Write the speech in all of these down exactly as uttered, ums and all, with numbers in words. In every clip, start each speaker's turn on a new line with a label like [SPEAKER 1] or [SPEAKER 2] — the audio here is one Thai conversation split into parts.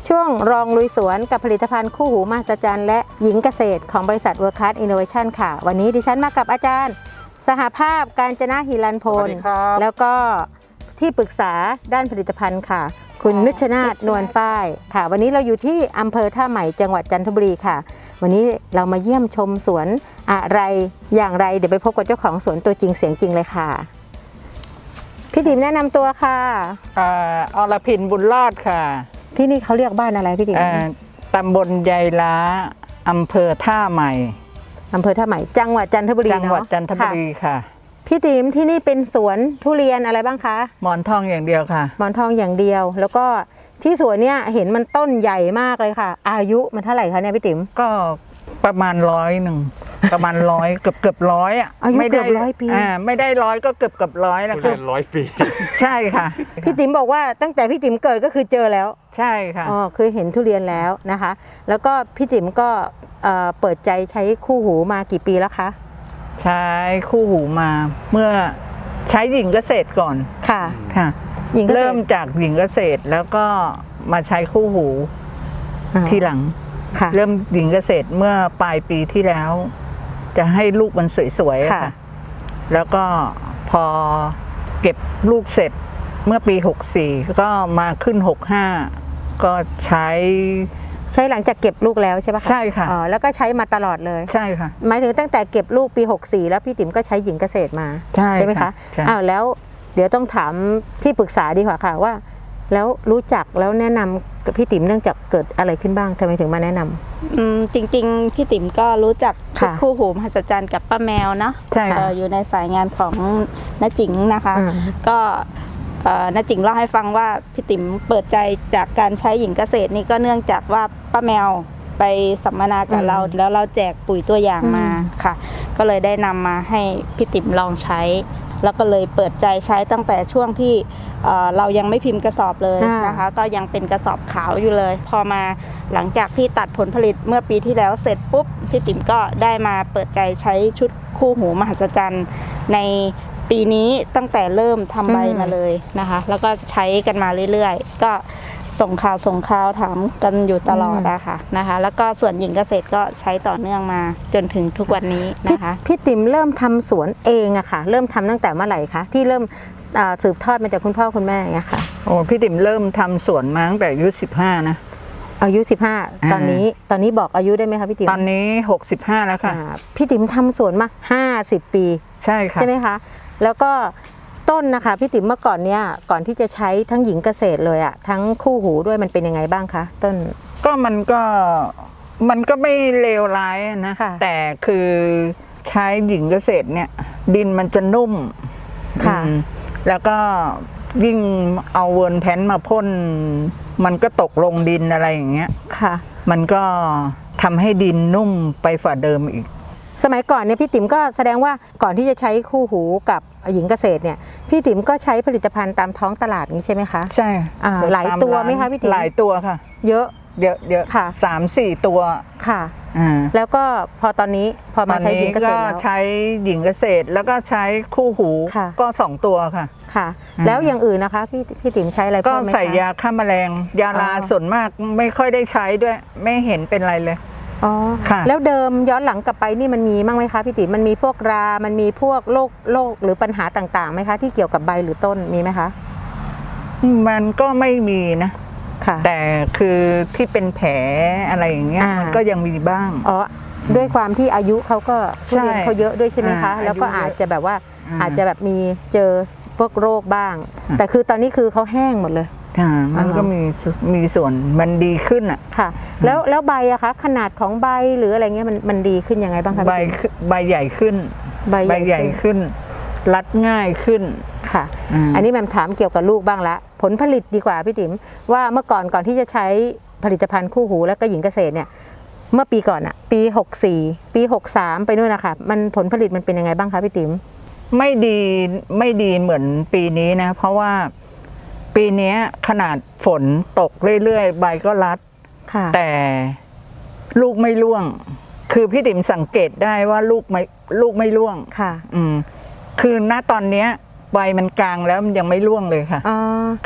[SPEAKER 1] ช่วงรองลุยสวนกับผลิตภัณฑ์คู่หูมหัศจรรย์และหญิงเกษตรของบริษัท World Class Innovation ค่ะวันนี้ดิฉันมากับอาจารย์สหภาพกาญจนะหิรันพลแล้วก็ที่ปรึกษาด้านผลิตภัณฑ์ค่ะคุณนุชนาถนวลฝ้ายค่ะวันนี้เราอยู่ที่อำเภอท่าใหม่จังหวัดจันทบุรีค่ะวันนี้เรามาเยี่ยมชมสวนอะไรอย่างไรเดี๋ยวไปพบกับเจ้าของสวนตัวจริงเสียงจริงเลยค่ะพี่ติ๋มแนะนำตัวค่ะ
[SPEAKER 2] อ่าอรพินบุญรอดค่ะ
[SPEAKER 1] ที่นี่เขาเรียกบ้านอะไรพี่ติ๋ม
[SPEAKER 2] ตำบลยายล้าอำเภอท่าใหม่
[SPEAKER 1] อำเภอท่าใหม่จังหวัดจันทบุรี
[SPEAKER 2] จังหวัดจันทบุรีค่ะ
[SPEAKER 1] พี่ติ๋มที่นี่เป็นสวนทุเรียนอะไรบ้างคะ
[SPEAKER 2] หมอนทองอย่างเดียวค่ะ
[SPEAKER 1] หมอนทองอย่างเดียวแล้วก็ที่สวนเนี่ยเห็นมันต้นใหญ่มากเลยค่ะอายุมันเท่าไหร่คะเนี่ยพี่ติ๋ม
[SPEAKER 2] ก็ประมาณร้อยหนึ่งประมาณร้อยเกือบเกือบร้อยอ่ะ
[SPEAKER 1] อายุเกือบร้อยปี
[SPEAKER 2] อ่าไม่ได้ร้อยก็เกือบเกือบร้อยแล้ว
[SPEAKER 3] ค่ะร้อยปี
[SPEAKER 2] ใช่ค่ะ
[SPEAKER 1] พี่ติ๋มบอกว่าตั้งแต่พี่ติ๋มเกิดก็คือเจอแล้ว
[SPEAKER 2] ใช่ค่ะ
[SPEAKER 1] อ๋อคือเห็นทุเรียนแล้วนะคะแล้วก็พี่ติ๋มก็เปิดใจใช้คู่หูมากี่ปีแล้วคะ
[SPEAKER 2] ใช้คู่หูมาเมื่อใช้หญิงเกษตรก่อน
[SPEAKER 1] ค่ะ
[SPEAKER 2] ค่ะเริ่มจากหญิงเกษตรแล้วก็มาใช้คู่หูทีหลังเริ่มหญิงเกษตรเมื่อปลายปีที่แล้วจะให้ลูกมันสวยๆค่ะแล้วก็พอเก็บลูกเสร็จเมื่อปีหกสี่ก็มาขึ้นหกห้าก็ใช้
[SPEAKER 1] ใช้หลังจากเก็บลูกแล้วใช่ปะคะ
[SPEAKER 2] ใช่ค่ะ
[SPEAKER 1] อ๋อแล้วก็ใช้มาตลอดเลย
[SPEAKER 2] ใช่ค่ะ
[SPEAKER 1] หมายถึงตั้งแต่เก็บลูกปีหกสี่แล้วพี่ติ๋มก็ใช้หญิงเกษตรมา
[SPEAKER 2] ใช่
[SPEAKER 1] ใช่ไหมคะอ้าวแล้วเดี๋ยวต้องถามที่ปรึกษาดีกว่าค่ะว่าแล้วรู้จักแล้วแนะนำกับพี่ติ๋มเนื่องจากเกิดอะไรขึ้นบ้างทำไมถึงมาแนะนำ
[SPEAKER 4] อืมจริงๆพี่ติ๋มก็รู้จักคู่หูมหัศจรรย์กับป้าแมวเนาะ
[SPEAKER 2] ใช่
[SPEAKER 4] อยู่ในสายงานของน้าจิ๋งนะคะก็น้าจิ๋งเล่าให้ฟังว่าพี่ติ๋มเปิดใจจากการใช้หญิงเกษตรนี่ก็เนื่องจากว่าป้าแมวไปสัมมนากับเราแล้วเราแจกปุ๋ยตัวอย่างมาค่ะก็เลยได้นำมาให้พี่ติ๋มลองใช้แล้วก็เลยเปิดใจใช้ตั้งแต่ช่วงที่เรายังไม่พิมพ์กระสอบเลยนะคะก็ยังเป็นกระสอบขาวอยู่เลยพอมาหลังจากที่ตัดผลผลิตเมื่อปีที่แล้วเสร็จปุ๊บพี่ติ๋มก็ได้มาเปิดใจใช้ชุดคู่หูมหัศจรรย์ในปีนี้ตั้งแต่เริ่มทำใบมาเลยนะคะแล้วก็ใช้กันมาเรื่อยๆก็ส่งข่าวส่งข่าวถามกันอยู่ตลอดนะคะนะคะแล้วก็ส่วนหญิงเกษตรก็ใช้ต่อเนื่องมาจนถึงทุกวันนี้นะคะ
[SPEAKER 1] พี่ติ๋มเริ่มทำสวนเองอะค่ะเริ่มทำตั้งแต่เมื่อไหร่คะที่เริ่มสืบทอดมาจากคุณพ่อคุณแม่ไงค่ะ
[SPEAKER 2] โอ้พี่ติ๋มเริ่มทำสวนมาตั้งแต่อายุสิบห้านะ
[SPEAKER 1] อายุสิบห้าตอนนี้ตอนนี้บอกอายุได้ไหมคะพี่ติ๋ม
[SPEAKER 2] ตอนนี้หกสิบห้าแล้วค่ะ
[SPEAKER 1] พี่ติ๋มทำสวนมาห้าสิบปี
[SPEAKER 2] ใช่ค่ะ
[SPEAKER 1] ใช่ไหมคะแล้วก็ต้นนะคะพี่ติ๋มเมื่อก่อนเนี้ยก่อนที่จะใช้ทั้งหญิงเกษตรเลยอะทั้งคู่หูด้วยมันเป็นยังไงบ้างคะต้น
[SPEAKER 2] ก็มันก็มันก็ไม่เลวร้ายนะแต่คือใช้หญิงเกษตรเนี่ยดินมันจะนุ่ม
[SPEAKER 1] ค่ะ
[SPEAKER 2] แล้วก็ยิ่งเอาเวิร์นแพนมาพ่นมันก็ตกลงดินอะไรอย่างเงี้ย
[SPEAKER 1] ค่ะ
[SPEAKER 2] มันก็ทำให้ดินนุ่มไปฝ่าเดิมอีก
[SPEAKER 1] สมัยก่อนเนี่ยพี่ติ๋มก็แสดงว่าก่อนที่จะใช้คู่หูกับหญิงเกษตรเนี่ยพี่ติ๋มก็ใช้ผลิตภัณฑ์ตามท้องตลาดนี้ใช่ไหมคะ
[SPEAKER 2] ใช่
[SPEAKER 1] หลายตัวไหมคะพี่ติ๋ม
[SPEAKER 2] หลายตัวค่ะ
[SPEAKER 1] เยอะ
[SPEAKER 2] เยอะเยอะ
[SPEAKER 1] ค่ะ
[SPEAKER 2] สามสี่ตัว
[SPEAKER 1] ค่ะแล้วก็พอตอนนี้พอมาใช้หญิงเกษตรแล้ว
[SPEAKER 2] ใช้หญิงเกษตรแล้วก็ใช้คู่หูก็สองตัวค่ะ
[SPEAKER 1] ค่ะแล้วอย่างอื่นนะคะพี่พี่ติ๋มใช้อะไร
[SPEAKER 2] ก็ใส่ยาฆ่าแมลงยาลาส่วนมากไม่ค่อยได้ใช้ด้วยไม่เห็นเป็นไรเลย
[SPEAKER 1] อ๋อแล้วเดิมย้อนหลังกลับไปนี่มันมีบ้างไหมคะพี่ติ๋มมันมีพวกรามันมีพวกโรคโรคหรือปัญหาต่างๆไหมคะที่เกี่ยวกับใบหรือต้นมีไหมคะ
[SPEAKER 2] มันก็ไม่มีนะแต่คือที่เป็นแผลอะไรอย่างเงี้ยมันก็ยังมีบ้าง
[SPEAKER 1] อ๋อด้วยความที่อายุเขาก็ทุเรียนเขาเยอะด้วยใช่ไหมคะแล้วก็อาจจะแบบว่าอาจจะแบบมีเจอพวกโรคบ้างแต่คือตอนนี้คือเขาแห้งหมดเลย
[SPEAKER 2] มันก็มีมีส่วนมันดีขึ้นอ่ะ
[SPEAKER 1] ค่ะแล้วแล้วใบอะคะขนาดของใบหรืออะไรเงี้ยมันมันดีขึ้นยังไงบ้างคะ
[SPEAKER 2] ใบใบใหญ่ขึ้นใบใหญ่ขึ้นรัดง่ายขึ้น
[SPEAKER 1] ค่ะอันนี้แม่ถามเกี่ยวกับลูกบ้างละผลผลิตดีกว่าพี่ติ๋มว่าเมื่อก่อนก่อนที่จะใช้ผลิตภัณฑ์คู่หูแล้วก็หญิงเกษตรเนี่ยเมื่อปีก่อนอะปีหกสี่ปีหกสามไปนู่นนะคะมันผลผลิตมันเป็นยังไงบ้างคะพี่ติ๋ม
[SPEAKER 2] ไม่ดีไม่ดีเหมือนปีนี้นะเพราะว่าปีนี้ขนาดฝนตกเรื่อยๆใบก็รัดแต่ลูกไม่ร่วงคือพี่ติ๋มสังเกตได้ว่าลูกไม่ลูกไม่ร่วง
[SPEAKER 1] ค่ะ
[SPEAKER 2] อืมคือณตอนเนี้ยใบมันกลางแล้วมันยังไม่ร่วงเลยค่ะ
[SPEAKER 1] อ๋อ
[SPEAKER 2] ค่ะ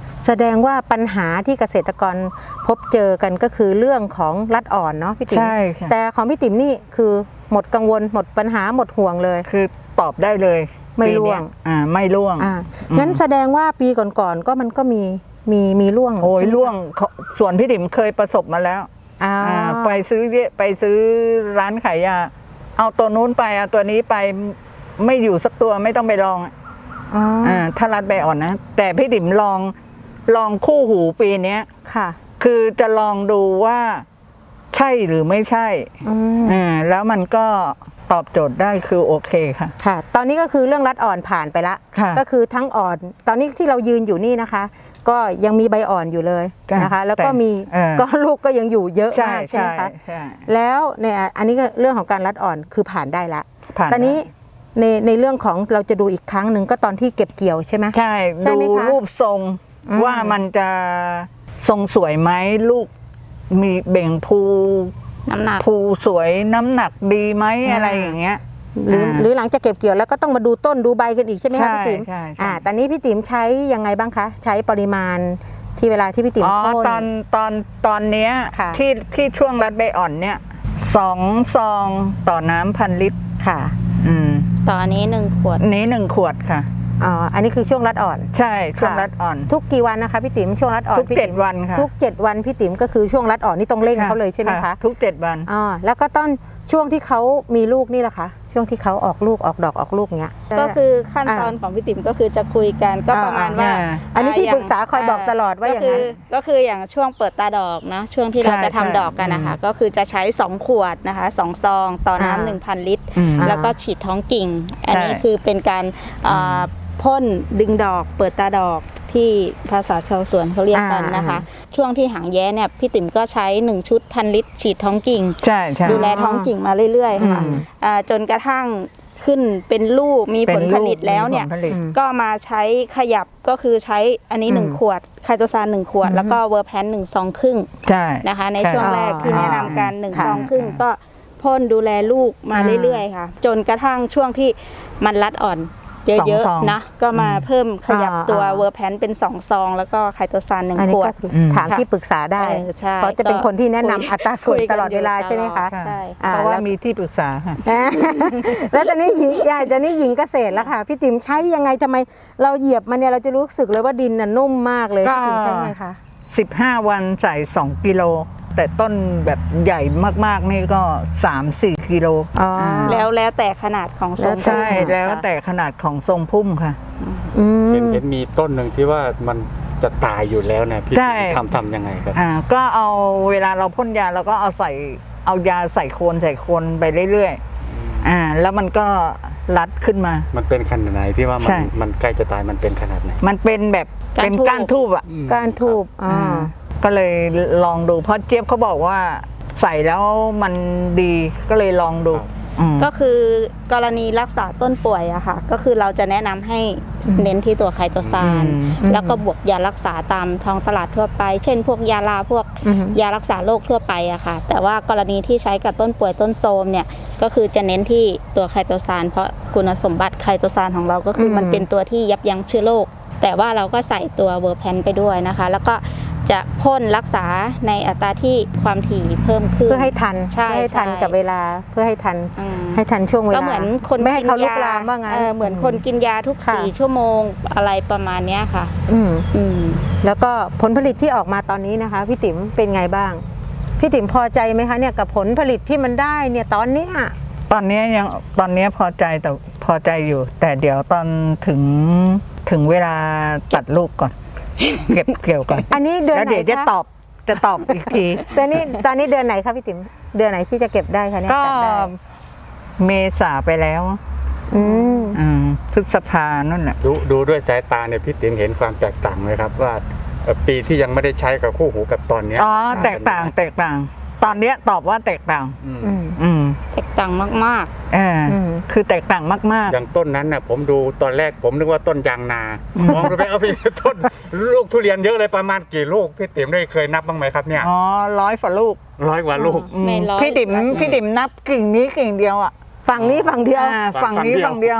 [SPEAKER 1] แสดงว่าปัญหาที่เกษตรกรพบเจอกันก็คือเรื่องของรัดอ่อนเนาะพี่ติ๋ม
[SPEAKER 2] ใช่ค่ะ
[SPEAKER 1] แต่ของพี่ติ๋มนี่คือหมดกังวลหมดปัญหาหมดห่วงเลย
[SPEAKER 2] คือตอบได้เลย
[SPEAKER 1] ไม่ร่วง
[SPEAKER 2] ปีเนี้ยอ่าไม่ร่วง
[SPEAKER 1] อ่างั้นแสดงว่าปีก่อนๆก็มันก็มีมีมีร่วง
[SPEAKER 2] โอ้ย
[SPEAKER 1] ใช่ไหม
[SPEAKER 2] ร่วงเขาส่วนพี่ติ๋มเคยประสบมาแล้ว
[SPEAKER 1] อ่า
[SPEAKER 2] อ่าไปซื้อเยไปซื้อร้านขายยาเอาตัวนู้นไปเอาตัวนี้ไปไม่อยู่สักตัวไม่ต้องไปลอง
[SPEAKER 1] อ๋อ
[SPEAKER 2] อ่าถ้ารัดใบอ่อนนะแต่พี่ติ๋มลองลองคู่หูปีเนี้ย
[SPEAKER 1] ค่ะ
[SPEAKER 2] คือจะลองดูว่าใช่หรือไม่ใช่
[SPEAKER 1] อืม
[SPEAKER 2] อ่าแล้วมันก็ตอบโจทย์ได้คือโอเคค่ะ
[SPEAKER 1] ค่ะ ตอนนี้ก็คือเรื่องรัดอ่อนผ่านไปละ
[SPEAKER 2] ค่ะ
[SPEAKER 1] ก็คือทั้งอ่อน ตอนนี้ที่เรายืนอยู่นี่นะคะ ก็ยังมีใบอ่อนอยู่เลย
[SPEAKER 2] จ้ะ
[SPEAKER 1] นะคะ แล้วก็
[SPEAKER 2] แต่
[SPEAKER 1] มี
[SPEAKER 2] เออ
[SPEAKER 1] ก็ลูกก็ยังอยู่เยอะ
[SPEAKER 2] ใช่
[SPEAKER 1] มากใช่ไหม
[SPEAKER 2] ใช่
[SPEAKER 1] คะ
[SPEAKER 2] ใช่
[SPEAKER 1] แล้วเนี่ยอันนี้ก็เรื่องของการรัดอ่อนคือผ่านได้ละ
[SPEAKER 2] ผ่าน
[SPEAKER 1] ตอนนี้ในในเรื่องของเราจะดูอีกครั้งหนึ่งก็ตอนที่เก็บเกี่ยวใช่ไหม
[SPEAKER 2] ใช่
[SPEAKER 1] ใช่ไหม
[SPEAKER 2] ดู
[SPEAKER 1] คะ
[SPEAKER 2] รูปทรง
[SPEAKER 1] อืม
[SPEAKER 2] ว่ามันจะทรงสวยไหมลูกมีเบ่งภู
[SPEAKER 4] น้ำหนัก
[SPEAKER 2] ภูสวยน้ำหนักดีไหมอะไรอย่างเงี้ย
[SPEAKER 1] หรือ
[SPEAKER 2] อ่า
[SPEAKER 1] หรือหลังจากเก็บเกี่ยวแล้วก็ต้องมาดูต้นดูใบกันอีกใช่ไหมคะ
[SPEAKER 2] ใช่
[SPEAKER 1] พี่ติ๋ม
[SPEAKER 2] ใช่ใช่
[SPEAKER 1] อ่าตอนนี้พี่ติ๋มใช้ยังไงบ้างคะ ใช้ปริมาณที่เวลาที่พี่ติ๋ม
[SPEAKER 2] อ๋อ
[SPEAKER 1] พ่น
[SPEAKER 2] ตอนตอนตอนเนี้ย
[SPEAKER 1] ค่ะ
[SPEAKER 2] ที่ที่ช่วงรัดใบอ่อนเนี่ยสองซองต่อน้ำพันลิตร
[SPEAKER 1] ค่ะ
[SPEAKER 2] อืม
[SPEAKER 4] ตอนนี้หนึ่งขวด
[SPEAKER 2] นี้หนึ่งขวดค่ะ
[SPEAKER 1] อ๋ออันนี้คือช่วงรัดอ่อน
[SPEAKER 2] ใช่ช่วง
[SPEAKER 1] ค่ะ
[SPEAKER 2] รัดอ่อน
[SPEAKER 1] ทุกกี่วันนะคะพี่ติ๋มช่วงรัดอ่อน
[SPEAKER 2] ทุก
[SPEAKER 1] พี่
[SPEAKER 2] เจ็ด
[SPEAKER 1] ติ๋ม
[SPEAKER 2] วันค่ะ
[SPEAKER 1] ทุกเจ็ดวันพี่ติ๋มก็คือช่วงรัดอ่อนนี่ต้องเร่งเขาเลยใช่ไหมคะ
[SPEAKER 2] ทุกเจ็ดวัน
[SPEAKER 1] อ๋อแล้วก็ต้นช่วงที่เขามีลูกนี่แหละคะช่วงที่เขาออกลูกออกดอกออกลูกเงี้ย
[SPEAKER 4] ก็คือขั้นตอนของพี่ติ๋มก็คือจะคุยกันก็ประมาณว่า
[SPEAKER 2] อ่า
[SPEAKER 1] อันนี้ที่
[SPEAKER 4] ย่ง
[SPEAKER 1] ปรึกษาคอยบอกตลอดว่าอย่างนั้น
[SPEAKER 4] ก็คือก็คืออย่างช่วงเปิดตาดอกนะช่วงที่เรา
[SPEAKER 2] ใช่
[SPEAKER 4] จะทำ
[SPEAKER 2] ใช่
[SPEAKER 4] ดอกกันนะคะ
[SPEAKER 2] อืม
[SPEAKER 4] ก็คือจะใช้สองขวดนะคะสองซองต่อ
[SPEAKER 1] อ่า
[SPEAKER 4] น้ำหนึ่งพันลิตร
[SPEAKER 2] อืม
[SPEAKER 4] แล้วก็ฉีดท้องกิ่ง อันนี้
[SPEAKER 2] ใช่
[SPEAKER 4] คือเป็นการอ่าพ่นดึงดอก เปิดตาดอกที่ภาษาชาวสวนเขาเรียกกันนะคะ ช่วงที่หางแย้เนี่ยพี่ติ๋มก็ใช้หนึ่งชุดพันลิตร ฉีดท้องกิ่ง
[SPEAKER 2] ใช่ใช่
[SPEAKER 4] ดูแลท้องกิ่งมาเรื่อยๆค่ะ
[SPEAKER 2] อืม
[SPEAKER 4] อ่าจนกระทั่งขึ้นเป็นลูกมีผลผลิตแล้วเนี่ย
[SPEAKER 2] ป็ผลผลิต
[SPEAKER 1] อืม
[SPEAKER 4] ก็มาใช้ขยับก็คือใช้อันนี้หนึ่ง
[SPEAKER 2] อืม
[SPEAKER 4] ขวดไคโตซานหนึ่งขวด แล้วก็เวอร์แพนหนึ่งซองครึ่ง
[SPEAKER 2] ใช่
[SPEAKER 4] นะคะใน
[SPEAKER 2] ใช่
[SPEAKER 4] ช่วงแรก
[SPEAKER 1] อ๋อ
[SPEAKER 4] ที่แนะนำกันหนึ่ง
[SPEAKER 1] ค่ะ
[SPEAKER 4] ซองครึ่งก็พ่นดูแลลูกมา
[SPEAKER 1] อ่า
[SPEAKER 4] เรื่อยๆค่ะ จนกระทั่งช่วงที่มันรัดอ่อนเย
[SPEAKER 2] สอง
[SPEAKER 4] อะ
[SPEAKER 2] ซอง
[SPEAKER 4] ๆนะก็มาเพิ่มขยับ
[SPEAKER 1] อ่า
[SPEAKER 4] ตัว
[SPEAKER 1] อ่า
[SPEAKER 4] เวอร์แพนเป็นสองซองแล้วก็ไคโตซานหนึ่ง
[SPEAKER 1] อันนี้
[SPEAKER 4] ขว
[SPEAKER 1] ก็
[SPEAKER 4] ด
[SPEAKER 1] คือ
[SPEAKER 2] อืม
[SPEAKER 1] ถามที่ปรึกษาได้
[SPEAKER 4] เออใช่
[SPEAKER 1] เพราะจะเป็นคนที่แนะนำ
[SPEAKER 4] คุย
[SPEAKER 1] อัตราส่วน
[SPEAKER 4] คุยกัน
[SPEAKER 1] ตลอดเวลา
[SPEAKER 4] อยู่
[SPEAKER 1] ใช่ไหมคะ
[SPEAKER 4] ตลอด ใช่
[SPEAKER 1] อ่
[SPEAKER 2] เพราะว่า
[SPEAKER 1] แล้ว
[SPEAKER 2] มีที่ปรึกษาค่ะ
[SPEAKER 1] อ่า แล้วตอนนี้หญิงยายตอนนี้หญิงเกษตรแล้วค่ะ พี่ติ๋มใช้ยังไงทำไมเราเหยียบมันเนี่ยเราจะรู้สึกเลยว่าดินน่ะนุ่มมากเลย
[SPEAKER 2] ก็
[SPEAKER 1] พี่ติ๋มใช่ไหมคะ
[SPEAKER 2] สิบห้าวันใส่สองกิโล แต่ต้นแบบใหญ่มากๆนี่ก็สามสี่กิโล
[SPEAKER 1] อ๋ออ่
[SPEAKER 2] า
[SPEAKER 4] แล้วแล้วแต่ขนาดของทรง
[SPEAKER 2] ใช่
[SPEAKER 4] พุ่ม
[SPEAKER 2] แล้ว
[SPEAKER 4] ค่ะ
[SPEAKER 2] แต่ขนาดของทรงพุ่มค่ะ
[SPEAKER 1] อืม
[SPEAKER 3] เห็นเห็นมีต้นหนึ่งที่ว่ามันจะตายอยู่แล้วเนี่ยพี่
[SPEAKER 2] ใช่
[SPEAKER 3] ทำทำยังไงครับ
[SPEAKER 2] อ่าก็เอาเวลาเราพ่นยาเราก็เอาใส่เอายาใส่โคนใส่โคนไปเรื่อยๆอ่าแล้วมันก็รัดขึ้นมา
[SPEAKER 3] มันเป็นขนาดไหนที่ว่ามั
[SPEAKER 2] ใช่
[SPEAKER 3] นมันใกล้จะตายมันเป็นขนาดไหน
[SPEAKER 2] มันเป็นแบบเป็นก้านทูบอ่ะ
[SPEAKER 3] อืม
[SPEAKER 1] ก้านทูบอ๋อ
[SPEAKER 2] อ่าก็เลยลองดูเพราะเจี๊ยบเขาบอกว่าใส่แล้วมันดีก็เลยลองดูอืม
[SPEAKER 4] ก็คือกรณีรักษาต้นป่วยอะค่ะ ก็คือเราจะแนะนำให้เน้นที่ตัวไคโตซาน
[SPEAKER 2] อืม
[SPEAKER 4] แล้วก็บวกยารักษาตามท้องตลาดทั่วไป เช่น พวกยาลาพวก
[SPEAKER 1] อือฮึ
[SPEAKER 4] ยารักษาโรคทั่วไปอะค่ะ แต่ว่ากรณีที่ใช้กับต้นป่วยต้นโทรมเนี่ยก็คือจะเน้นที่ตัวไคโตซานเพราะคุณสมบัติไคโตซานของเราก็คืออ
[SPEAKER 1] ม
[SPEAKER 4] มันเป็นตัวที่ยับยั้งเชื้อโรคแต่ว่าเราก็ใส่ตัวเวอร์แพนไปด้วยนะคะ แล้วก็จะพ่นรักษาในอัตราที่ความถี่เพิ่มขึ้น
[SPEAKER 1] เพื่อให้ทัน
[SPEAKER 4] ใช่
[SPEAKER 1] เพื่อให้ทัน
[SPEAKER 4] ใช่
[SPEAKER 1] กับเวลาเพื่อให้ทัน
[SPEAKER 4] อืม
[SPEAKER 1] ให้ทันช่วงเวลา
[SPEAKER 4] ก็เหมือนคน
[SPEAKER 1] ไม่ให้เขาลุก
[SPEAKER 4] นย
[SPEAKER 1] ลามว่างั้น
[SPEAKER 4] เออเหมือนคนกินยาทุก
[SPEAKER 1] ค่ะ
[SPEAKER 4] สี่ชั่วโมงอะไรประมาณเนี้ยค่ะ
[SPEAKER 1] อืม
[SPEAKER 4] อืม
[SPEAKER 1] แล้วก็ผลผลิตที่ออกมาตอนนี้นะคะ พี่ติ๋มเป็นไงบ้าง พี่ติ๋มพอใจไหมคะเนี่ยกับผลผลิตที่มันได้เนี่ยตอนเนี้ย
[SPEAKER 2] ตอนนี้ยังตอนนี้พอใจแต่พอใจอยู่ แต่เดี๋ยวตอนถึงถึงเวลาตัดลูกก่อน เก็บเกี่ยวก่อน
[SPEAKER 1] อันนี้เดือน
[SPEAKER 2] แล้ว
[SPEAKER 1] ไหน
[SPEAKER 2] เดี๋ยวจะ
[SPEAKER 1] คะ
[SPEAKER 2] ตอบจะตอบอีกที
[SPEAKER 1] ตอนนี้ตอนนี้เดือนไหนคะพี่ติ๋มเดือนไหนที่จะเก็บได้คะเนี่ย
[SPEAKER 2] ก็
[SPEAKER 1] ตัดได้
[SPEAKER 2] เมษาไปแล้ว
[SPEAKER 1] อืม
[SPEAKER 2] อืมพฤษภานั่นแหละ
[SPEAKER 3] ดูดูด้วยสายตาเนี่ยพี่ติ๋มเห็นความแตกต่างไหมครับว่าเอ่อปีที่ยังไม่ได้ใช้กับคู่หูกับตอนเนี้ย
[SPEAKER 2] อ๋อแตกต่างแตกต่าง ตอนเนี้ยตอบว่าแตกต่าง
[SPEAKER 3] อืม
[SPEAKER 1] อืม
[SPEAKER 2] อืม
[SPEAKER 4] แตกต่างมาก
[SPEAKER 2] เอออ
[SPEAKER 1] ม
[SPEAKER 2] คือแตกต่างมาก
[SPEAKER 3] อย่างต้นนั้นน่ะผมดูตอนแรกผมนึกว่าต้นยางนามองดูไปเอาไปต้นลูกทุเรียนเยอะเลยประมาณกี่ลูกพี่ติ๋มได้เคยนับบ้างไหมครับเนี่ย
[SPEAKER 2] ๆ อ๋อร้อยฝ่าลูก
[SPEAKER 3] ร้อยกว่าลูก
[SPEAKER 2] อืม
[SPEAKER 4] ไม่ร้อย
[SPEAKER 2] พี่ติ๋มพี่ติ๋มนับกิ่งนี้กิ่งเดียวอ่ะ
[SPEAKER 1] ฝั่งนี้ฝั่งเดียว
[SPEAKER 2] อ่า
[SPEAKER 3] ฝั่
[SPEAKER 2] ฝั่ง
[SPEAKER 3] ง
[SPEAKER 2] นี้
[SPEAKER 3] เดียว
[SPEAKER 2] ฝั่งเดียว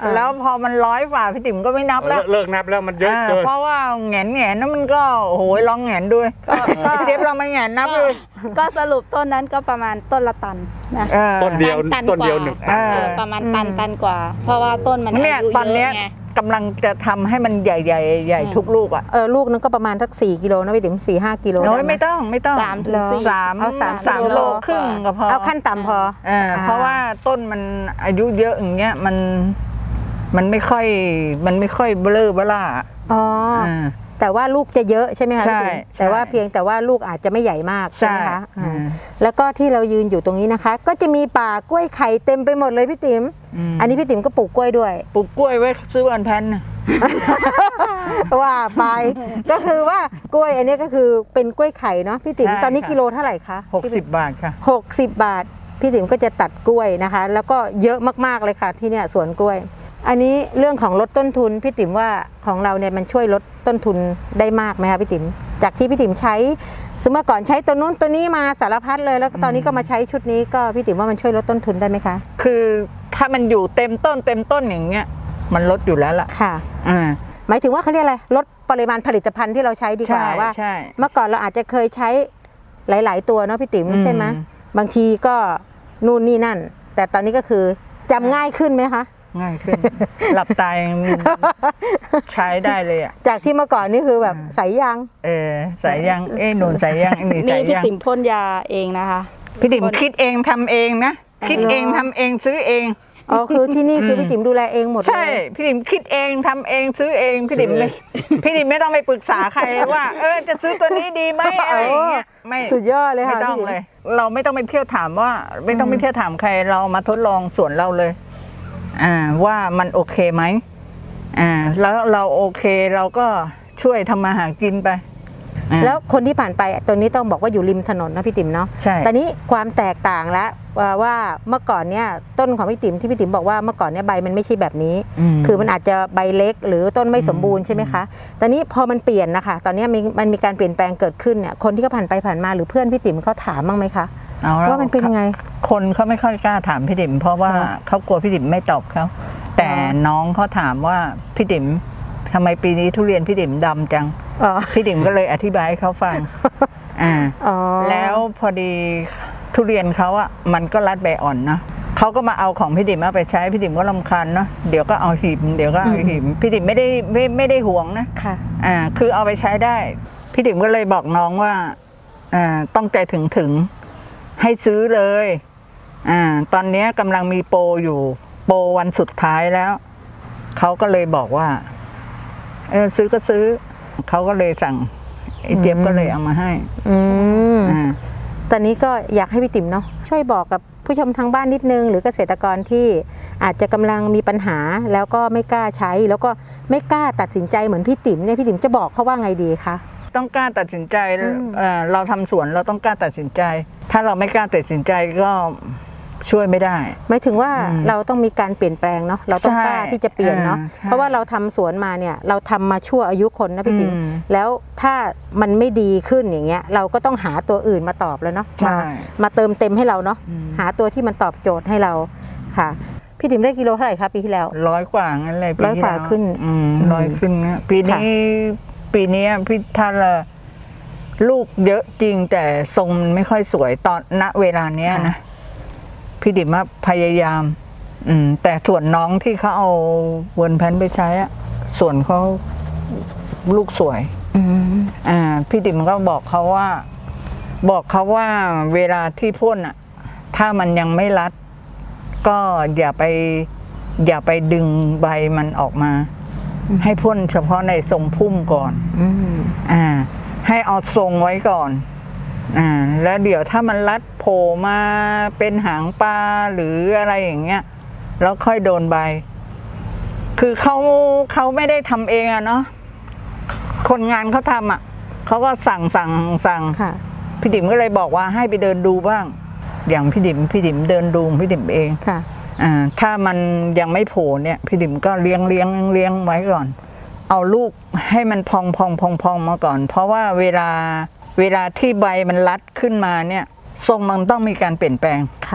[SPEAKER 2] แล้วพอมันร้อยฝ่าพี่ติ๋มก็ไม่นับแล้ว
[SPEAKER 3] เลิกนับแล้วมันเยอะเกิน
[SPEAKER 2] เพราะว่าแหงนแหงนนั้นมันก็โอ้โหลองแหงนด้วยเจ็บเราไม่แหงนนับเลย
[SPEAKER 4] ก็สรุปต้นนั้นก็ประมาณต้นละตันนะ
[SPEAKER 3] ต้นเดียว
[SPEAKER 4] ตัน
[SPEAKER 3] ต้นเดียว
[SPEAKER 4] กว่า
[SPEAKER 3] หนึ่งตัน
[SPEAKER 4] เออประมาณตันตันกว่า เพราะว่าต้นมันอา
[SPEAKER 2] เนี่ย
[SPEAKER 4] ยุ
[SPEAKER 2] ตอน
[SPEAKER 4] เย
[SPEAKER 2] เนี้ย
[SPEAKER 4] อะไง
[SPEAKER 2] กำลังจะทำให้มันใหญ่ๆใหญ่ทุกลูกอ่ะ
[SPEAKER 1] เออลูกนึงก็ประมาณสักสี่กิโลนะพี่ติ๋มสี่ห้ากิโล
[SPEAKER 2] โอ้ย
[SPEAKER 1] ด้ห
[SPEAKER 2] ไม่ต้องไม่ต้อง
[SPEAKER 4] สามถึงสี่
[SPEAKER 2] สาม
[SPEAKER 1] เอาสาม
[SPEAKER 2] สาม
[SPEAKER 1] กิโล
[SPEAKER 2] โลครึ่งก็พอ
[SPEAKER 1] เอาขั้นต่ำพอ
[SPEAKER 2] เออเพราะว่าต้นมันอายุเยอะอย่างเงี้ยมันมันไม่ค่อยมันไม่ค่อยเบลอเบล่า
[SPEAKER 1] อ๋อ
[SPEAKER 2] อ่า
[SPEAKER 1] แต่ว่าลูกจะเยอะใช่ไหมคะ
[SPEAKER 2] ใช่
[SPEAKER 1] พี่ติ๋ม
[SPEAKER 2] ใช่
[SPEAKER 1] แต่ว่าเพียงแต่ว่าลูกอาจจะไม่ใหญ่มากใช่ไหมคะ
[SPEAKER 2] ใช่
[SPEAKER 1] อ่า
[SPEAKER 2] อืม
[SPEAKER 1] แล้วก็ที่เรายืนอยู่ตรงนี้นะคะ ก็จะมีป่ากล้วยไข่เต็มไปหมดเลยพี่ติ๋ม
[SPEAKER 2] ม
[SPEAKER 1] อันนี้พี่ติ๋มก็ปลูกกล้วยด้วย
[SPEAKER 2] ปลูกกล้วยไว้ซื้อวันแพนน่ะ
[SPEAKER 1] ว่าไป ก็คือว่ากล้วยอันนี้ก็คือเป็นกล้วยไข่เนาะพี่ติ๋ม
[SPEAKER 2] ใช่
[SPEAKER 1] ตอนนี้
[SPEAKER 2] ค่ะ
[SPEAKER 1] กิโลเท่าไหร่คะ
[SPEAKER 2] หกสิบบาทค่ะ
[SPEAKER 1] หกสิบบาท พี่ติ๋มก็จะตัดกล้วยนะคะ แล้วก็เยอะมากๆเลยค่ะที่เนี่ยสวนกล้วย อันนี้เรื่องของลดต้นทุนพี่ติ๋มว่าของเราเนี่ยมันช่วยลดต้นทุนได้มากไหมคะพี่ติ๋มจากที่พี่ติ๋มใช้สมมติก่อนใช้ตัวนู้นตัวนี้มาสารพัดเลยแล้วก็ตอนนี้ก็มาใช้ชุดนี้ก็พี่ติ๋มว่ามันช่วยลดต้นทุนได้ไหมคะ
[SPEAKER 2] คือถ้ามันอยู่เต็มต้นเต็มต้นอย่างเงี้ยมันลดอยู่แล้วล่ะ
[SPEAKER 1] ค่ะ
[SPEAKER 2] อ่า
[SPEAKER 1] หมายถึงว่าเขาเรียกอะไรลดปริมาณผลิตภัณฑ์ที่เราใช้ดีกว่า
[SPEAKER 2] ใช่
[SPEAKER 1] ว่า
[SPEAKER 2] ใช่
[SPEAKER 1] เมื่อก่อนเราอาจจะเคยใช้หลาย ๆ ตัวเนาะพี่ติ๋ม
[SPEAKER 2] อืม
[SPEAKER 1] ใช่ไหมบางทีก็นู่นนี่นั่น แต่ตอนนี้ก็คือจำง่ายขึ้นไหมคะ
[SPEAKER 2] ง่ายขึ้น หลับตายังใช้ได้เลยอ่ะ
[SPEAKER 1] จากที่เมื่อก่อนนี่คือแบบใส่ยาง
[SPEAKER 2] เออใส่ยังเอ้หนุนใส่ยังไอ้นี่
[SPEAKER 4] นี่
[SPEAKER 2] ใส่
[SPEAKER 4] พี่
[SPEAKER 2] ยัง
[SPEAKER 4] ติ๋มพ่นยาเองนะคะ
[SPEAKER 2] พี่ติ๋มคิดเองทำเองนะคิดเองทำเองซื้อเอง
[SPEAKER 1] อ๋อคือที่นี่คือพี่ติ๋มดูแลเองหมดเลย
[SPEAKER 2] ใช่พี่ติ๋มคิดเองทำเองซื้อเองพี่ติ๋มไม่พี่ติ๋มไม่ต้องไปปรึกษาใครว่า เออจะซื้อตัวนี้ดีไหมอะไรอย่างเงี้ยไม่
[SPEAKER 1] สุดยอดเลย
[SPEAKER 2] ไม่
[SPEAKER 1] ค่ะ
[SPEAKER 2] ต้อง
[SPEAKER 1] พี่ติ๋ม
[SPEAKER 2] เลย เราไม่ต้องไปเที่ยวถามว่า ไม่ต้องไปเที่ยวถามใครเรามาทดลองสวนเราเลย อ่าว่ามันโอเคไหมอ่าแล้วเราโอเคเราก็ช่วยทำมาหากินไปอ่า
[SPEAKER 1] แล้วคนที่ผ่านไปตรงนี้ต้องบอกว่าอยู่ริมถนนนะพี่ติ๋มเนาะ
[SPEAKER 2] ใช่
[SPEAKER 1] แต่นี้ความแตกต่างแล้วว่าว่าเมื่อก่อนเนี่ยต้นของพี่ติ๋มที่พี่ติ๋มบอกว่าเมื่อก่อนเนี่ยใบมันไม่ใช่แบบนี้
[SPEAKER 2] ม
[SPEAKER 1] คือมันอาจจะใบเล็กหรือต้นไม่สมบูรณ์ใช่ไหมคะ ตอนนี้พอมันเปลี่ยนนะคะ ตอนนี้มีมันมีการเปลี่ยนแปลงเกิดขึ้นเนี่ยคนที่เขาผ่านไปผ่านมาหรือเพื่อนพี่ติ๋มเขาถามบ้างไหมคะ
[SPEAKER 2] เอาแล้ว
[SPEAKER 1] ว่ามันเป็นยังไง
[SPEAKER 2] คนเขาไม่ค่อยกล้าถามพี่ติ๋มเพราะว่า
[SPEAKER 1] อ๋อ
[SPEAKER 2] เขากลัวพี่ติ๋มไม่ตอบเขาแต่
[SPEAKER 1] อ๋อ
[SPEAKER 2] น้องเขาถามว่าพี่ติ๋มทำไมปีนี้ทุเรียนพี่ติ๋มดำจัง
[SPEAKER 1] อ๋อ
[SPEAKER 2] พี่ติ๋มก็เลยอธิบายให้เขาฟัง อ่า
[SPEAKER 1] อ๋อ
[SPEAKER 2] แล้วพอดีทุเรียนเขาอะมันก็รัดใบอ่อนเนาะเขาก็มาเอาของพี่ติ๋มมาไปใช้พี่ติ๋มก็รำคาญเนาะเดี๋ยวก็เอาหิมเดี๋ยวก็เอาหิมพี่ติ๋มไม่ได้ไม่ไม่ได้ห่วงนะ
[SPEAKER 1] ค่ะ
[SPEAKER 2] อ่าคือเอาไปใช้ได้ พี่ติ๋มก็เลยบอกน้องว่าอ่าต้องใจถึงถึงให้ซื้อเลยอ่าตอนนี้กำลังมีโปรอยู่โปรวันสุดท้ายแล้วเขาก็เลยบอกว่าเออซื้อก็ซื้อเขาก็เลยสั่งไอ้เจี๊ยบก็เลยเอามาให้
[SPEAKER 1] อืม
[SPEAKER 2] อ่า
[SPEAKER 1] ตอนนี้ก็อยากให้พี่ติ๋มเนาะช่วยบอกกับผู้ชมทางบ้านนิดนึงหรือเกษตรกรที่อาจจะกำลังมีปัญหาแล้วก็ไม่กล้าใช้ แล้วก็ไม่กล้าตัดสินใจเหมือนพี่ติ๋มเนี่ยพี่ติ๋มจะบอกเขาว่าไงดีคะ
[SPEAKER 2] ต้องกล้าตัดสินใจ
[SPEAKER 1] อืม
[SPEAKER 2] เอ่อเราทำสวนเราต้องกล้าตัดสินใจ ถ้าเราไม่กล้าตัดสินใจก็ช่วยไม่ได้
[SPEAKER 1] หมายถึงว่า
[SPEAKER 2] อืม
[SPEAKER 1] เราต้องมีการเปลี่ยนแปลงเนาะเราต้อง
[SPEAKER 2] ใช่
[SPEAKER 1] กล้าที่จะเปลี่ยนเนาะ
[SPEAKER 2] อ่าใช่
[SPEAKER 1] เพราะว่าเราทำสวนมาเนี่ยเราทำมาชั่วอายุคนนะพี่ติ๋ม
[SPEAKER 2] อืม
[SPEAKER 1] แล้วถ้ามันไม่ดีขึ้นอย่างเงี้ยเราก็ต้องหาตัวอื่นมาตอบแล้วเนาะ
[SPEAKER 2] ใช่
[SPEAKER 1] มามาเติมเต็มให้เราเนาะ
[SPEAKER 2] อืม
[SPEAKER 1] หาตัวที่มันตอบโจทย์ให้เราค่ะ พี่ติ๋มได้กิโลเท่าไหร่คะปีที่แล้ว
[SPEAKER 2] ร้อยกว่างั้นเลยปี
[SPEAKER 1] ร้อย
[SPEAKER 2] ที่
[SPEAKER 1] กว่า
[SPEAKER 2] แล้ว
[SPEAKER 1] ขึ้น
[SPEAKER 2] อืม
[SPEAKER 1] อืม
[SPEAKER 2] ร้อยขึ้นนะปีนี้ปีนี้พี่ท่านละลูกเยอะจริงแต่ทรงมันไม่ค่อยสวยตอนณเวลาเนี้ยนะพี่ดิมว่าพยายาม อืม แต่ส่วนน้องที่เขาเอาเวิร์นแพนไปใช้อะส่วนเขาลูกสวย
[SPEAKER 1] อืม
[SPEAKER 2] อ่าพี่ติ๋มก็บอกเขาว่า บอกเขาว่าเวลาที่พ่นอ่ะ ถ้ามันยังไม่รัด ก็อย่าไป อย่าไปดึงใบมันออกมา ให้พ่นเฉพาะในทรงพุ่มก่อน
[SPEAKER 1] อืม
[SPEAKER 2] อ่า ให้เอาทรงไว้ก่อนอ่าแล้วเดี๋ยวถ้ามันรัดโผล่มาเป็นหางปลาหรืออะไรอย่างเงี้ยแล้วค่อยโดนใบ คือเขาเขาไม่ได้ทำเองอะเนาะคนงานเขาทำอ่ะเขาก็สั่งสั่งสั่ง
[SPEAKER 1] ค่ะ
[SPEAKER 2] พี่ติ๋มก็เลยบอกว่าให้ไปเดินดูบ้าง อย่างพี่ติ๋มพี่ติ๋มเดินดูพี่ติ๋มเอง
[SPEAKER 1] ค่ะ
[SPEAKER 2] อ่าถ้ามันยังไม่โผล่เนี่ยพี่ติ๋มก็เลี้ยงเลี้ยงเลี้ยงไว้ก่อน เอาลูกให้มันพองพองพองพองมาก่อน เพราะว่าเวลาเวลาที่ใบมันรัดขึ้นมาเนี่ยทรงมันต้องมีการเปลี่ยนแปลง
[SPEAKER 1] ค่ะ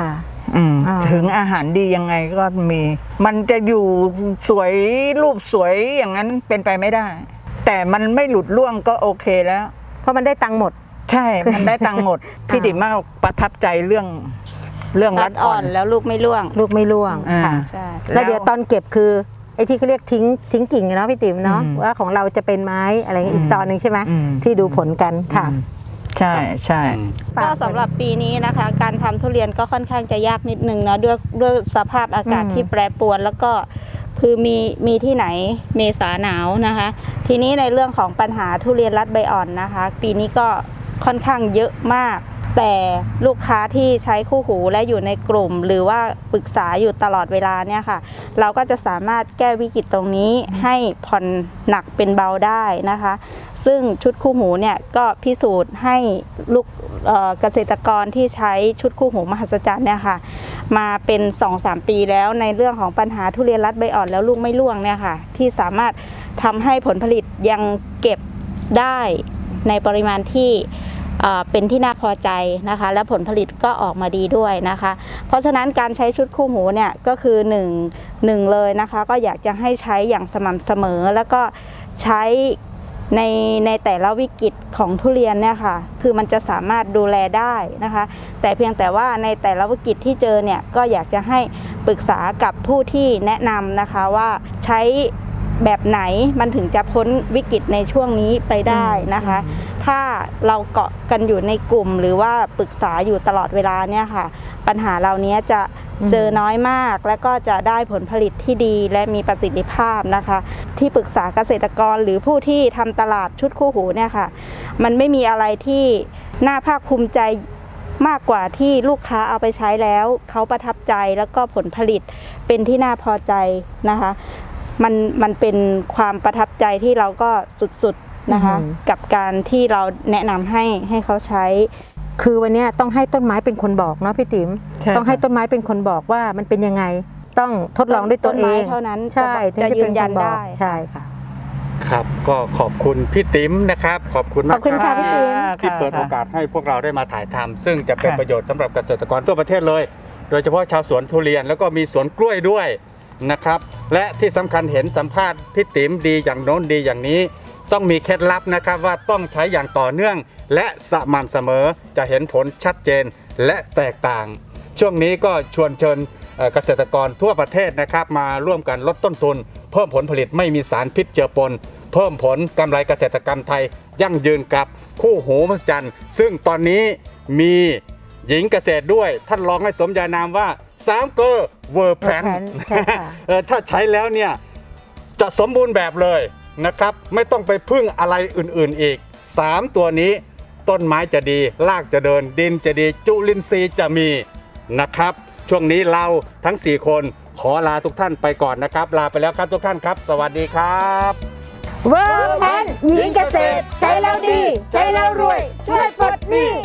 [SPEAKER 2] อืม
[SPEAKER 1] อ่า
[SPEAKER 2] ถึงอาหารดียังไงก็มี มันจะอยู่สวยรูปสวยอย่างนั้นเป็นไปไม่ได้ แต่มันไม่หลุดร่วงก็โอเคแล้ว
[SPEAKER 1] เพราะมันได้ตังค์หมด
[SPEAKER 2] ใช่ มันได้ตังค์หมด พี่ติ๋มมากประทับใจเรื่องเรื่อง
[SPEAKER 4] รั
[SPEAKER 2] รั
[SPEAKER 4] ด
[SPEAKER 2] ด
[SPEAKER 4] อ่
[SPEAKER 2] อ่
[SPEAKER 4] อ
[SPEAKER 2] อน น
[SPEAKER 4] แล้วลูกไม่ร่วง
[SPEAKER 1] ลูกไม่ร่วง
[SPEAKER 2] อ่า
[SPEAKER 1] ค่ะ
[SPEAKER 4] ใช่
[SPEAKER 1] แล้วเดี๋ยวตอนเก็บคือไอ้ที่เขาเรียกทิ้งทิ้งกิ่งอะเนาะพี่ติ๋มเนาะ
[SPEAKER 2] อืม
[SPEAKER 1] ว่าของเราจะเป็นไม้อะไรเงี้ยอีก
[SPEAKER 2] อืม
[SPEAKER 1] ตอนหนึ่งใช่ไหม
[SPEAKER 2] อืม
[SPEAKER 1] ที่ดูผลกันค่ะ
[SPEAKER 2] อืมใช่ใช่
[SPEAKER 4] ก็สำหรับปีนี้นะคะ การทำทุเรียนก็ค่อนข้างจะยากนิดนึงเนาะด้วยด้วยสภาพอากาศ
[SPEAKER 1] อืม
[SPEAKER 4] ที่แปรปรวน แล้วก็คือมีมีที่ไหนเมษาหนาวนะคะ ทีนี้ในเรื่องของปัญหาทุเรียนรัดใบอ่อนนะคะ ปีนี้ก็ค่อนข้างเยอะมาก แต่ลูกค้าที่ใช้คู่หูและอยู่ในกลุ่ม หรือว่าปรึกษาอยู่ตลอดเวลาเนี่ยค่ะ เราก็จะสามารถแก้วิกฤตตรงนี้ให้ผ่อนหนักเป็นเบาได้นะคะ ซึ่งชุดคู่หูเนี่ยก็พิสูจน์ให้ลูกเอ่อเกษตรกรที่ใช้ชุดคู่หูมหัศจรรย์เนี่ยค่ะมาเป็น สองถึงสาม ปีแล้วในเรื่องของปัญหาทุเรียนรัดใบอ่อนแล้วลูกไม่ร่วงเนี่ยค่ะที่สามารถทำให้ผลผลิตยังเก็บได้ในปริมาณที่เอ่อเป็นที่น่าพอใจนะคะและผลผลิตก็ออกมาดีด้วยนะคะ เพราะฉะนั้นการใช้ชุดคู่หูเนี่ยก็คือหนึ่ง หนึ่งเลยนะคะก็อยากจะให้ใช้อย่างสม่ำเสมอแล้วก็ใช้ในในแต่ละวิกฤตของทุเรียนเนี่ยค่ะคือมันจะสามารถดูแลได้นะคะ แต่เพียงแต่ว่าในแต่ละวิกฤตที่เจอเนี่ยก็อยากจะให้ปรึกษากับผู้ที่แนะนำนะคะว่าใช้แบบไหนมันถึงจะพ้นวิกฤตในช่วงนี้ไปได้นะคะ ถ้าเราเกาะกันอยู่ในกลุ่มหรือว่าปรึกษาอยู่ตลอดเวลาเนี่ยค่ะปัญหาเหล่านี้จะเจอน้อยมากและก็จะได้ผลผลิตที่ดีและมีประสิทธิภาพนะคะ ที่ปรึกษาเกษตรกรหรือผู้ที่ทำตลาดชุดคู่หูเนี่ยค่ะมันไม่มีอะไรที่น่าภาคภูมิใจมากกว่าที่ลูกค้าเอาไปใช้แล้วเขาประทับใจแล้วก็ผลผลิตเป็นที่น่าพอใจนะคะมันมันเป็นความประทับใจที่เราก็สุดๆนะคะ
[SPEAKER 1] อืม
[SPEAKER 4] กับการที่เราแนะนำให้ให้เขาใช้
[SPEAKER 1] คือวันเนี้ยต้องให้ต้นไม้เป็นคนบอกเนาะพี่ติ๋ม
[SPEAKER 2] ใช่
[SPEAKER 1] ต้องให้
[SPEAKER 2] ค่ะ
[SPEAKER 1] ต้นไม้เป็นคนบอกว่ามันเป็นยังไงต้องทดลองด้วยตัวเอ
[SPEAKER 4] ต้นไม้
[SPEAKER 1] ง
[SPEAKER 4] เท่านั้น
[SPEAKER 1] ใช่
[SPEAKER 4] จะ
[SPEAKER 1] ถึงจะเป็น
[SPEAKER 4] ยืนยัน
[SPEAKER 1] คบอก
[SPEAKER 4] ได้
[SPEAKER 1] ใช่ค่ะ
[SPEAKER 3] ครับก็ขอบคุณพี่ติ๋มนะครับ ขอบคุณ
[SPEAKER 1] ข
[SPEAKER 3] มา
[SPEAKER 1] อก บคุณค่ะพี่ติ๋ม
[SPEAKER 3] ที่เปิดโอกาสให้พวกเราได้มาถ่ายทำซึ่งจะเป็น
[SPEAKER 2] ค่ะ
[SPEAKER 3] ประโยชน์สำหรับเกษตรกรทั่วประเทศเลย โดยเฉพาะชาวสวนทุเรียนแล้วก็มีสวนกล้วยด้วยนะครับ และที่สำคัญเห็นสัมภาษณ์พี่ติ๋มดีอย่างโน้นดีอย่างนี้ ต้องมีเคล็ดลับนะครับว่าต้องใช้อย่างต่อเนื่อง และสม่ำเสมอจะเห็นผลชัดเจนและแตกต่าง ช่วงนี้ก็ชวนเชิญเอ่อเกษตรกรทั่วประเทศนะครับมาร่วมกันลดต้นทุน เพิ่มผลผลิตไม่มีสารพิษเจือปน เพิ่มผลกำไรเกษตรกรรมไทย ยั่งยืนกับคู่หูมหัศจรรย์ซึ่งตอนนี้มีหญิงเกษตรด้วย ท่านลองให้สมญานามว่าสามเกอร์เวอร์แพน
[SPEAKER 1] World Plan ใช่ค่ะ
[SPEAKER 3] ถ้าใช้แล้วเนี่ยจะสมบูรณ์แบบเลยนะครับ ไม่ต้องไปพึ่งอะไรอื่นๆอีก สาม ตัวนี้ต้นไม้จะดีรากจะเดินดินจะดีจุลินทรีย์จะมีนะครับ ช่วงนี้เราทั้ง สี่ คนขอลาทุกท่านไปก่อนนะครับ ลาไปแล้วครับทุกท่านครับ สวัสดีครับ
[SPEAKER 1] เวิร์กแพนหญิงเกษตรใช้แล้วดี ใช้แล้วรวย ช่วยปลดหนี้